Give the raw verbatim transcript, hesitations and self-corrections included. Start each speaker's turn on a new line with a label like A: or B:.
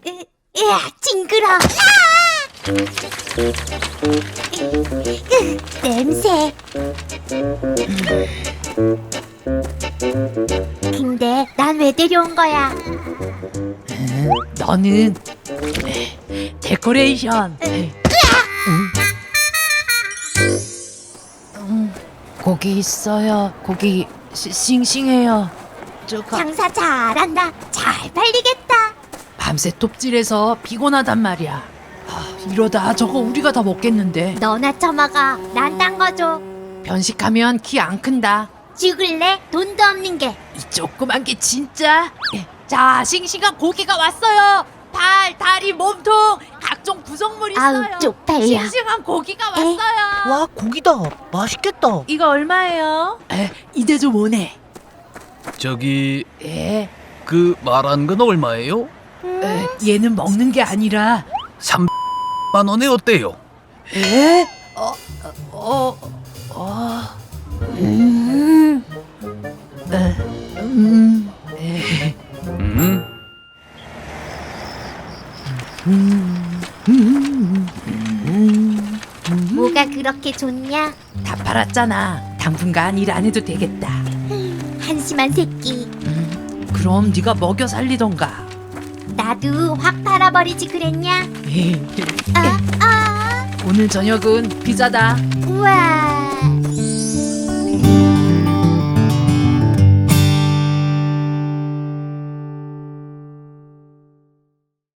A: 으아, 징그러. 냄새. 근데 난 왜 데려온 거야?
B: 너는 데코레이션. 음, 고기 있어요. 고기 시, 싱싱해요. 저가
A: 장사 잘한다. 잘 팔리겠다.
B: 밤새 톱질해서 피곤하단 말이야. 아, 이러다 저거 우리가 다 먹겠는데.
A: 너나 처먹어. 난 딴 거 줘.
B: 편식하면 키 안 큰다.
A: 죽을래? 돈도 없는 게.
B: 이 조그만 게 진짜. 자, 싱싱한 고기가 왔어요. 발, 다리, 몸통 각종 구성물 있어요.
A: 아우, 쪽팔려.
B: 싱싱한 고기가 왔어요.
C: 와, 고기다. 맛있겠다.
B: 이거 얼마예요? 에, 이대 좀 오네.
D: 저기
B: 에,
D: 그 말한 건 얼마예요?
B: 에, 얘는 먹는 게 아니라.
D: 삼만 원에 어때요?
B: 에? 어, 어, 어,
A: 음.
B: 에, 음, 에,
D: 음?
B: 음, 음, 음,
A: 뭐가 그렇게 좋냐?
B: 다 팔았잖아. 당분간 일 안 해도 되겠다.
A: 한심한 새끼.
B: 음, 그럼 네가 먹여 살리던가.
A: 나도 확 팔아버리지 그랬냐? 아, 아.
B: 오늘 저녁은 피자다.
A: 우와.